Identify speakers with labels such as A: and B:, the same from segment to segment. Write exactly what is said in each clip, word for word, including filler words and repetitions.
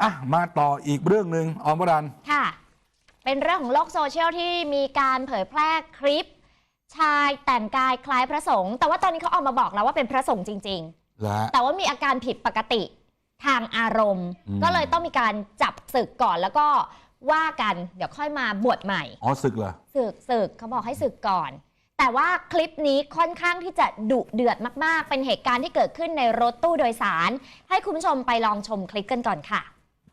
A: อ่ะมาต่ออีกเรื่องหนึ่งอมรัน
B: ค่ะเป็นเรื่องของโลกโซเชียลที่มีการเผยแพร่คลิปชายแต่งกายคล้ายพระสงฆ์แต่ว่าตอนนี้เขาออกมาบอกแล้วว่าเป็นพระสงฆ์จริงๆแต่ว่ามีอาการผิดปกติทางอารมณ์ก็เลยต้องมีการจับศึกก่อนแล้วก็ว่ากันเดี๋ยวค่อยมาบวชใหม่
A: อ๋อศึกเหรอ
B: ศึกศึกเขาบอกให้ศึกก่อนแต่ว่าคลิปนี้ค่อนข้างที่จะดุเดือดมากๆเป็นเหตุการณ์ที่เกิดขึ้นในรถตู้โดยสารให้คุณผู้ชมไปลองชมคลิปกันก่อนค่ะ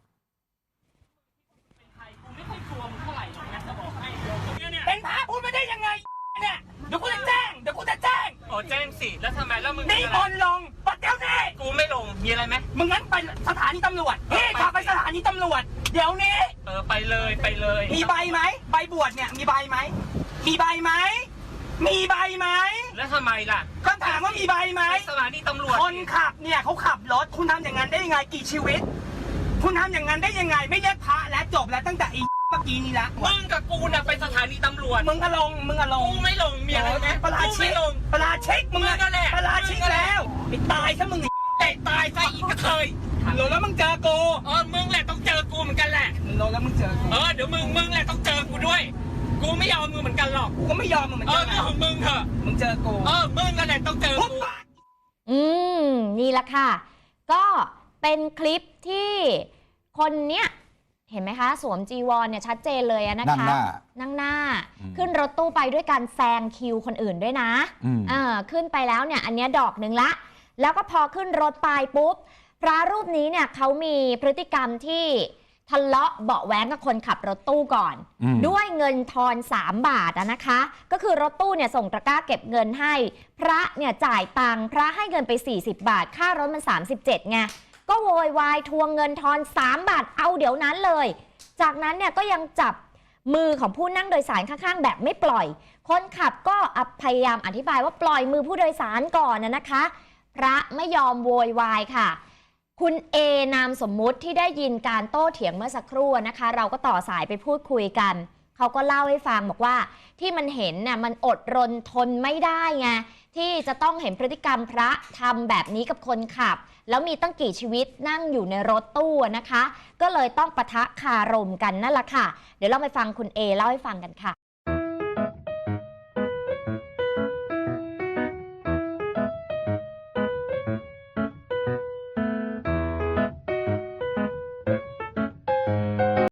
C: เป็นพระพูดไม่ได้ยังไงเนี่ยเดี๋ยวกูจะแจ้งเดี๋ยวกูจะแจ้ง
D: โอ้แจ้งสิแล้วทำไมแล้วมึง
C: นี่บอลลงปัดเดี๋ยวนี้
D: กูไม่ลงมีอะไรไหม
C: มึงงั้นไปสถานีตำรวจพี่พาไปสถานีตำรวจเดี๋ยวนี้
D: เออไปเลยไปเลย
C: มีใบไหมใบบวชเนี่ยมีใบไหมมีใบไหมมีใบไหม
D: แล้วทำไมล่ะ
C: ก็ถามว่ามีใบไหม
D: สถานีตำรวจ
C: คนขับเนี่ยเขาขับรถคุณทำอย่างนั้นได้ยังไงกี่ชีวิตคุณทำอย่างนั้นได้ยังไงไม่เรียกพระและจบแล้วตั้งแต่อีเมื่อกี้นี้ละ
D: มึงกับกูน่ะไปสถานีตำรวจ
C: มึงก็ลงมึงก็ลง
D: กูไม่ลงมีอะไรไหม
C: ปลาชิกปลาชิกมึง
D: ก็แหละ
C: ปลาชิกแล้วไปตายซะมึง
D: เตะตายซะอีกกระเทย
C: โลแล้วมึงเจอกู
D: เออมึงแหละต้องเจอกูเหมือนกันแหละ
C: โลแล้วมึงเจอ
D: เออเดี๋ยวมึงมึงแหละต้องเจอกูด้วยกูไม่ยอมมึงเหมือนกันหรอก
C: กูก็ไม่ยอมมึงเหมือน
D: กั
C: น
D: เออเรื่องของมึงเถอะ
C: มึงเจอกู
D: เออมึงนั่นแหละต้องเจอกู
B: อืมนี่แหละค่ะก็เป็นคลิปที่คนเนี้ยเห็นไหมคะสวมจีวรเนี่ยชัดเจนเลยนะคะ
A: นั่งหน้า
B: นั่งหน้าขึ้นรถตู้ไปด้วยการแซงคิวคนอื่นด้วยนะเออขึ้นไปแล้วเนี่ยอันนี้ดอกหนึ่งละแล้วก็พอขึ้นรถไปปุ๊บพระรูปนี้เนี่ยเขามีพฤติกรรมที่ทะเลาะเบาะแว้งกับคนขับรถตู้ก่อนด้วยเงินทอนสามบาทนะคะก็คือรถตู้เนี่ยส่งตะกร้าเก็บเงินให้พระเนี่ยจ่ายตังค์พระให้เงินไปสี่สิบบาทค่ารถมันสามสิบเจ็ดไงก็โวยวายทวงเงินทอนสามบาทเอาเดี๋ยวนั้นเลยจากนั้นเนี่ยก็ยังจับมือของผู้นั่งโดยสารข้างๆแบบไม่ปล่อยคนขับก็พยายามอธิบายว่าปล่อยมือผู้โดยสารก่อนนะคะพระไม่ยอมโวยวายค่ะคุณเอนามสมมุติที่ได้ยินการโต้เถียงเมื่อสักครู่นะคะเราก็ต่อสายไปพูดคุยกันเขาก็เล่าให้ฟังบอกว่าที่มันเห็นน่ะมันอดรนทนไม่ได้ไงที่จะต้องเห็นพฤติกรรมพระทำแบบนี้กับคนขับแล้วมีตั้งกี่ชีวิตนั่งอยู่ในรถตู้นะคะก็เลยต้องปะทะคารมกันนั่นแหละค่ะเดี๋ยวเราไปฟังคุณเอเล่าให้ฟังกันค่ะ